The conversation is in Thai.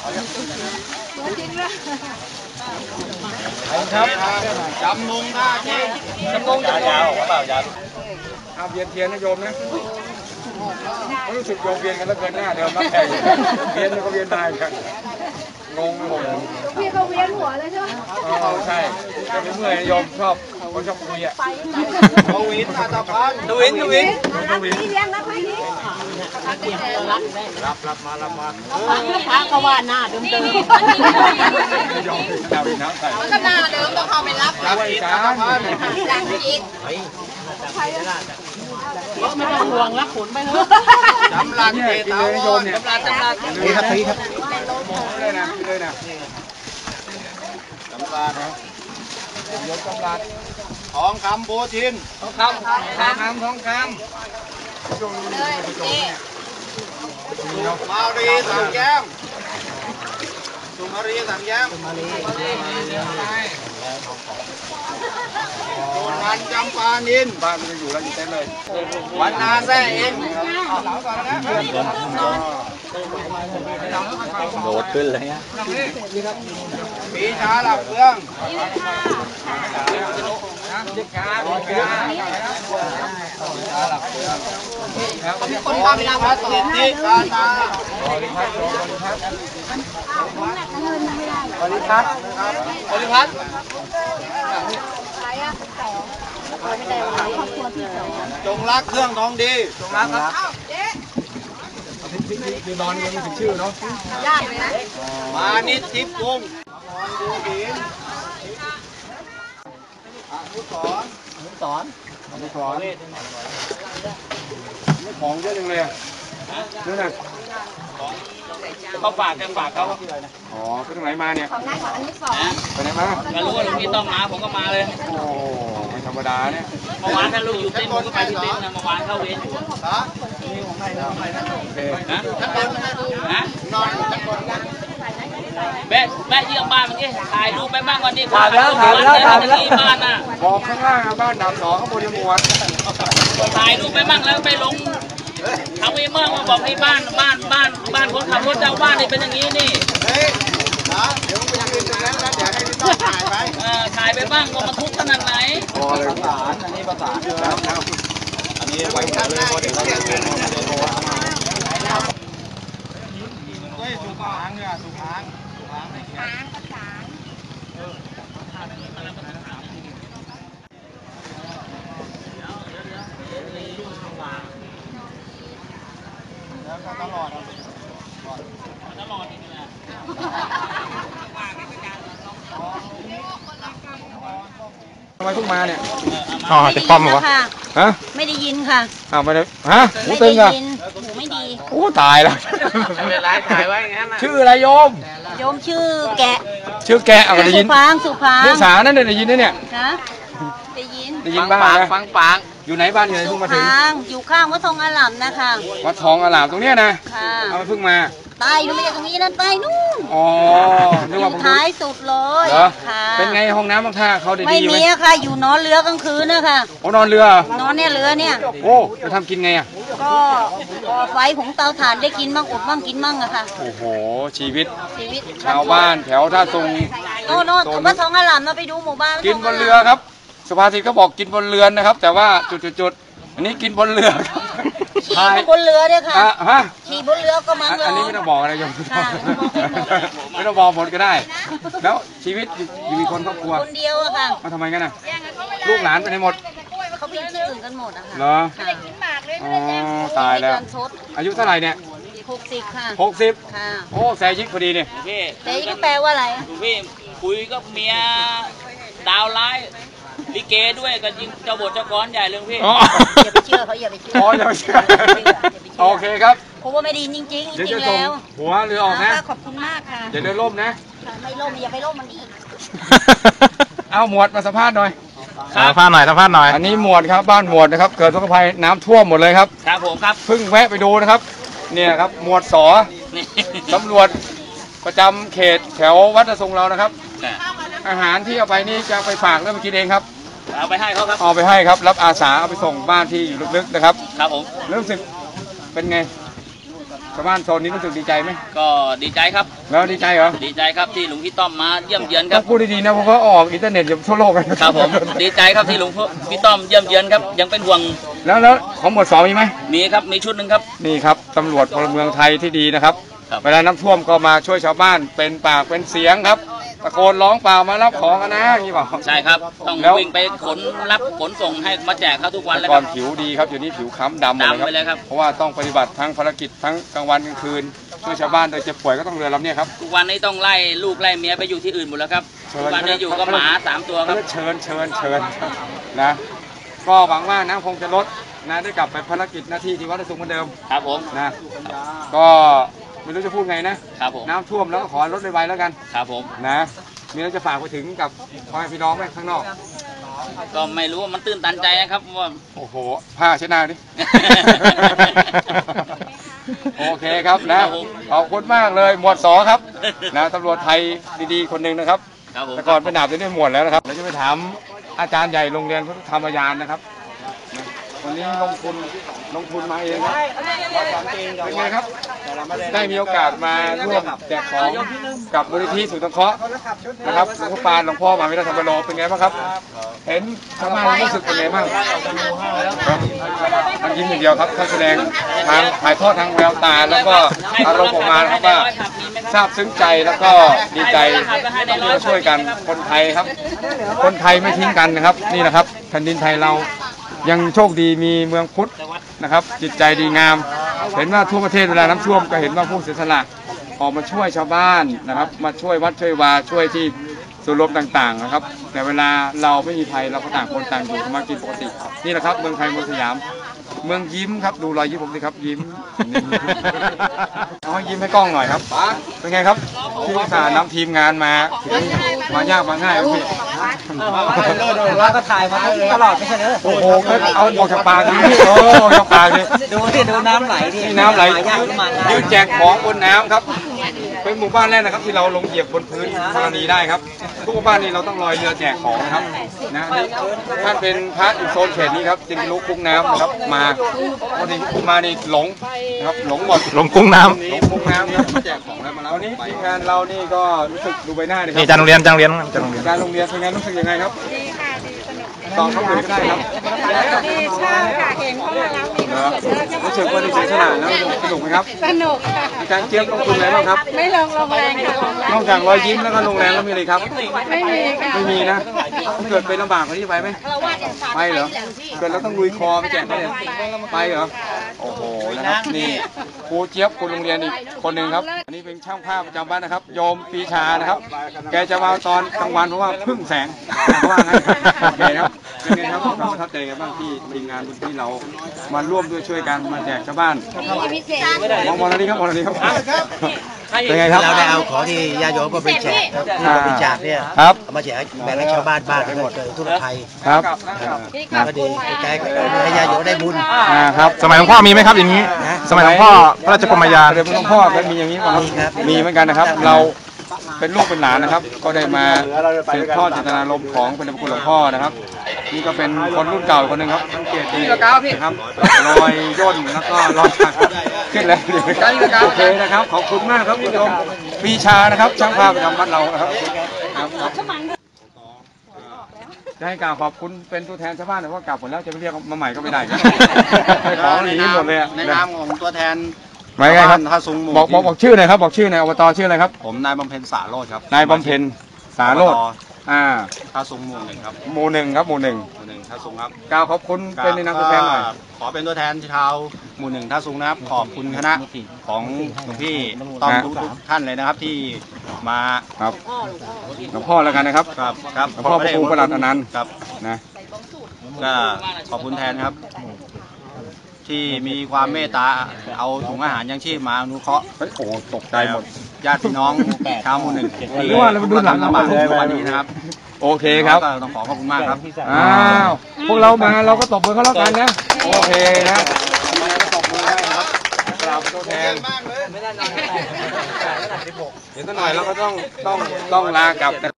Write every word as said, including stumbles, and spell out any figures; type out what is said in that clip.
จริงเลยครับจำนงท่าจริงจำนงยาวๆเปล่ายาวเอาเวียนเทียนนะโยมนะรู้สึกโยมเวียนกันแล้วเกินหน้าเดิมมากแค่เวียนก็เวียนได้กันงงไปหมดพี่เขาเวียนหัวเลยใช่ไหมอ๋อใช่แต่ไม่เมื่อยโยมชอบคนชอบคุยอ่ะทวินอาตาพันทวินทวินทวินนี่เลี้ยงนะพี่นี่รับรับมารับมาพระก็ว่าหน้าเดิมเดิมยอมดาวน้ำใส่ก็หน้าเดิมต้องเขาไปรับรับอีกการรับอีกไม่ต้องห่วงรักขนไปเถอะจำรันเตตาวโยมเนี่ยจำรันจำรันนี่ครับนี่ครับเลยนะเลยนะจำรันนะยกจำรันทองคำโบทินทองคำทองคำทองคำเลยมารีสังแย้มสุมารีสังแย้มสุมารีโจนวันจำปานินบ้านมันอยู่แล้วอยู่เต็มเลยวันนาแซ่เองโดดขึ้นเลยฮะปีชาหลับเฟืองคนทำพัดสิทธิกาตาบริพัตรบริพัตรบริพัตรจงรักเครื่องทองดีจงรักครับมีบอลยังไม่ถึงชื่อเนาะยากเลยนะมานิดทิพย์วงศ์ดูดีอนุสรอนุสรอนุสรนี่ของเยอะจังเลยอ่ะนี่นะเขาฝากกันฝากเขาอ๋อไปทางไหนมาเนี่ยของนายของอนุสรไปไหนมาก็รู้ว่าลุงพี่ต้องมาผมก็มาเลยโอ้ไม่ธรรมดาเนี่ยเมื่อวานถ้าลุงอยู่เต้นผมก็ไปที่เต้นนะเมื่อวานเข้าเวรอยู่นี่ของใครนะโอเคนะนะนอนแม่แม่เยี่ยมบ้านเมื่อกี้ถ่ายรูปไปบ้างก่อนดิถ่ายแล้วถ่ายแล้วถ่ายแล้วบ้านน่ะบอกข้างล่างบ้านดาบสองข้างบนยังหมวดถ่ายรูปไปบ้างแล้วไปลงทางวีเมืองมาบอกให้บ้านบ้านบ้านบ้านคนขับรถเจ้าบ้านนี่เป็นอย่างนี้นี่เฮ้ยนะเดี๋ยวไปยืนตรงนั้นแล้วเดี๋ยวให้พี่ต้องถ่ายไปเออถ่ายไปบ้างว่ามันทุกข์ขนาดไหนพอเลยประสานอันนี้ประสานแล้วอันนี้ไว้ทำเลยพอเดี๋ยวเราจะเป็นเฮ้ยสุขางเนี่ยสุขางสุขางไม่เขียนประสานแล้วก็ตลอดตลอดนี่แหละทำไมเพิ่งมาเนี่ยอ๋อจะคอมเหรอฮะไม่ได้ยินค่ะอ้าวไม่ได้ฮะหูตึงอ่ะหูไม่ดีโอ้ตายแล้วไม่ไลฟ์ถ่ายไว้งั้นชื่ออะไรโยมโยมชื่อแกะชื่อแกะเอาได้ยินสุพางสุพางภาษานั่นได้ยินนะเนี่ยฮะได้ยินได้ยินบ้างนะฟังปางอยู่ไหนบ้านอยู่ไหนเพิ่งมาถึงอยู่ข้างวัดทองอาหลามนะคะวัดทองอาหลามตรงเนี้ยนะค่ะเอาเพิ่งมาตายอยู่ไม่ใช่ตรงนี้นั่นตายนู่นอ๋อนึกว่าท้ายสุดเลยค่ะเป็นไงห้องน้ำบางท่าเขาได้ดีไหมไม่มีค่ะอยู่นอนเรือกลางคืนนะคะโอ้นอนเรือนอนเนี่ยเรือเนี่ยโอ้จะทำกินไงอ่ะก็ก่อไฟของเตาถ่านได้กินบ้างอดบ้างกินบ้างอะค่ะโอ้โหชีวิตชีวิตชาวบ้านแถวท่าทรงโน่นโน่นวัดทองอาหลามเราไปดูหมู่บ้านกินบนเรือครับสุภาษิตก็บอกกินบนเรือนนะครับแต่ว่าจุดๆอันนี้กินบนเรือขี่บนเรือเนี่ยค่ะฮะขี่บนเรือก็มั้งอันนี้ไม่ต้องบอกอะไรโยมไม่ต้องบอกหมดก็ได้แล้วชีวิตอยู่มีคนครอบครัวคนเดียวอะค่ะมาทำไมกันน่ะลูกหลานไปไหนหมดเขาไปที่อื่นกันหมดอะค่ะเหรออ๋อตายแล้วอายุเท่าไหร่เนี่ยหกสิบค่ะหกสิบค่ะโอ้แซยิกพอดีเนี่ยพี่แซยิกแปลว่าอะไรพี่คุยกับเมียดาวไลท์ลิเกด้วยก็ยิงเจ้าบทเจ้ากรใหญ่เลยพี่อย่าไปเชื่อเขาอย่าไปเชื่ออ๋ออย่าไปเชื่อโอเคครับเพราะว่าไม่ดีจริงจริงจริงแล้วหัวเรือออกนะขอบคุณมากค่ะอย่าเดินล่มนะไม่ล่มอย่าไปล่มมันอีกเอาหมวดมาสัมภาษณ์หน่อยสัมภาษณ์หน่อยสัมภาษณ์หน่อยอันนี้หมวดครับบ้านหมวดนะครับเกิดทุกภัยน้ำท่วมหมดเลยครับครับผมครับเพิ่งแวะไปดูนะครับเนี่ยครับหมวดสอตำรวจประจำเขตแถววัดทรงเรานะครับอาหารที่เอาไปนี่จะไปฝากแล้วมากินเองครับเอาไปให้เขาครับเอาไปให้ครับรับอาสาเอาไปส่งบ้านที่อยู่ลึกๆนะครับครับผมรู้สึกเป็นไงชาวบ้านโซนนี้รู้สึกดีใจไหมก็ดีใจครับแล้วดีใจเหรอดีใจครับที่หลวงพี่ต้อมมาเยี่ยมเยือนครับพูดดีๆนะเพราะเขาออกอินเทอร์เน็ตอยู่ทั่วโลกเลยครับผมดีใจครับที่หลวงพี่ต้อมเยี่ยมเยือนครับยังเป็นห่วงแล้วแล้วของหมวดสองมีไหมมีครับมีชุดหนึ่งครับนี่ครับตำรวจพลเมืองไทยที่ดีนะครับเวลาน้ำท่วมก็มาช่วยชาวบ้านเป็นปากเป็นเสียงครับตะโกนร้องเปล่ามารับของกันนะอย่างนี้เปล่าใช่ครับต้องวิ่งไปขนรับขนส่งให้มาแจกเขาทุกวันแล้วก่อนผิวดีครับอยู่นี้ผิวค้ำดำเลยครับเพราะว่าต้องปฏิบัติทั้งภารกิจทั้งกลางวันกลางคืนช่วยชาวบ้านโดยเจ็บป่วยก็ต้องเรือลำนี้ครับทุกวันนี้ต้องไล่ลูกไล่เมียไปอยู่ที่อื่นหมดแล้วครับทุกวันนี้อยู่กับหมาสามตัวครับเชิญเชิญเชิญนะก็หวังว่าน้ำคงจะลดนะได้กลับไปภารกิจหน้าที่ที่วัดสุขเหมือนเดิมครับผมนะก็ไม่รู้จะพูดไงนะครับผมน้ำท่วมแล้วก็ขอลดไวๆแล้วกันครับผมนะมีอะไรจะฝากไปถึงกับพ่อแม่พี่น้องไหมข้างนอกก็ไม่รู้ว่ามันตื่นตันใจนะครับว่าโอ้โหผ้าเช็ดหน้าดิโอเคครับนะขอบคุณมากเลยหมวดสอครับนะตำรวจไทยดีๆคนหนึ่งนะครับแต่ก่อนเป็นดาบจะได้หมวดแล้วนะครับเราจะไปถามอาจารย์ใหญ่โรงเรียนพุทธธรรมยานนะครับวันนี้ลงทุนลงทุนมาเองครับเป็นไงครับได้มีโอกาสมาร่วมแจกของกับมูลนิธิสุนทรเคราะห์นะครับหลวงพ่อปานหลวงพ่อมหาวิทยาลัยธรรมโลเป็นไงบ้างครับเห็นชาวบ้านรู้สึกเป็นไงบ้างท่านยิ้มอย่างเดียวครับท่านแสดงทางถ่ายทอดทางแววตาแล้วก็อารมณ์ออกมาครับว่าซาบซึ้งใจแล้วก็ดีใจที่มาช่วยกันคนไทยครับคนไทยไม่ทิ้งกันนะครับนี่นะครับแผ่นดินไทยเรายังโชคดีมีเมืองพุทธนะครับจิตใจดีงามเห็นว่าทั่วประเทศเวลาน้ำท่วมก็เห็นว่าผู้เสียสละออกมาช่วยชาวบ้านนะครับมาช่วยวัดช่วยวาช่วยที่ส่วนรวมต่างๆนะครับแต่เวลาเราไม่มีภัยเราก็ต่างคนต่างอยู่มากินปกตินี่แหละครับเมืองไทยเมืองสยามเมืองยิ้มครับดูรอยยิ้มผมสิครับยิ้มเอาให้ยิ้มให้กล้องหน่อยครับเป็นไงครับที่สานำทีมงานมามายากมาง่ายพี่ว่าก็ถ่ายมาตลอดไม่ใช่เหรอโอ้โหเอาออกจากปากดิโอ้ออกจากปากดิดูที่ดูน้ำไหลดิน้ำไหลยืนแจกของบนน้ำครับเป็นหมู่บ้านแรกนะครับที่เราลงเหยียบบนพื้นธรณีได้ครับทุกบ้านนี้เราต้องลอยเรือแจกของนะครับนะท่านเป็นพระอยู่โซนเขตนี้ครับจึงลุกกุ้งน้ำนะครับมาพอดีมานี่หลงนะครับหลงหมดหลงกุ้งน้ำหลงกุ้งน้ำครับมาแจกของแล้วมาแล้ววันนี้ทีมงานเรานี่ก็รู้สึกดูใบหน้าเลยครับนี่จานโรงเรียนจานโรงเรียนจานโรงเรียนจานโรงเรียนเป็นไงรู้สึกยังไงครับดีค่ะดีสนุกตอนเข้าไปก็ได้ครับดีชอบค่ะเห็นพวกเรารู้สึกว่าดีใจขนาดแล้วสนุกไหมครับสนุกค่ะอาจารย์เจี๊ยบลงทุนอะไรบ้างครับไม่ลงลงแรงค่ะนอกจากรอยยิ้มแล้วก็ลงแรงแล้วมีอะไรครับไม่มีค่ะไม่มีนะเกิดเป็นลำบากคนที่ไปไหมไปเหรอเกิดแล้วต้องลุยคอไปแจกได้ไปเหรอโอ้โหนะครับนี่ครูเจี๊ยบครูโรงเรียนอีกคนหนึ่งครับอันนี้เป็นช่างภาพประจำบ้านนะครับโยมปีชานะครับแกจะมาตอนกลางวันเพราะว่าพึ่งแสงว่างั้นโอเคครับเป็นไงครับเราประทับใจกันบ้างที่ทีมงานที่เรามาร่วมด้วยช่วยกันมาแจกชาวบ้านมองมองอะไรครับมองอะไรครับเป็นไงครับเราได้เอาของที่ญาติโยมก็ไปแจกที่บริจาคเนี่ยครับมาแจกแบ่งให้ชาวบ้านบ้านทั้งหมดเลยทั่วไทยครับก็ดีใจให้ญาติโยมได้บุญครับสมัยหลวงพ่อมีไหมครับอย่างนี้สมัยหลวงพ่อพระราชกรมยานเดี๋ยวหลวงพ่อก็มีอย่างนี้ครับมีเหมือนกันนะครับเราเป็นลูกเป็นหลานนะครับก็ได้มาสืบทอดเจตนารมณ์ของพระเดชพระคุณหลวงพ่อนะครับนี่ก็เป็นคนรุ่นเก่าคนหนึ่งครับสังเกตดีนะครับรอยย่นแล้วก็รอยถักขึ้นแล้วโอเคนะครับขอบคุณมากครับคุณผู้ชมปีชานะครับช่างภาพประจำบ้านเรานะครับจะให้กล่าวขอบคุณเป็นตัวแทนชาวบ้านแต่ว่ากลับหมดแล้วจะไปเรียกมาใหม่ก็ไม่ได้ไปขอหนีหมดเลยในนามของตัวแทนไม่ไงครับบอกบอกบอกชื่อหน่อยครับบอกชื่อหน่อยอบตชื่ออะไรครับผมนายบำเพ็ญสาโรจน์ครับนายบำเพ็ญสาโรจน์อ่าท่าซุงหมู่หนึ่งครับหมู่หนึ่งครับหมู่หนึ่งหมู่หนึ่งท่าซุงครับกล่าวขอบคุณเป็นในนามตัวแทนหน่อยขอเป็นตัวแทนชาวหมู่หนึ่งท่าซุงนะครับขอบคุณคณะของหลวงพี่ต้อมทุกท่านเลยนะครับที่มาครับหลวงพ่อแล้วกันนะครับครับครับหลวงพ่อพระครูประหลัดอนันต์ครับนะก็ขอบคุณแทนครับที่มีความเมตตาเอาถุงอาหารยังชีพมาอนุเคราะห์โอ้โหตกใจหมดญาติพี่น้องชาวหมู่หนึ่งหรือว่าเราดูหลังลำบากเลยวันนี้นะครับโอเคครับต้องขอขอบคุณมากครับอ้าวพวกเรามาเราก็ตบมือเขาแล้วกันนะโอเคนะตบมือให้ครับกราบตัวแทนเดี๋ยวสักหน่อยเราก็ต้องต้องต้องลากลับ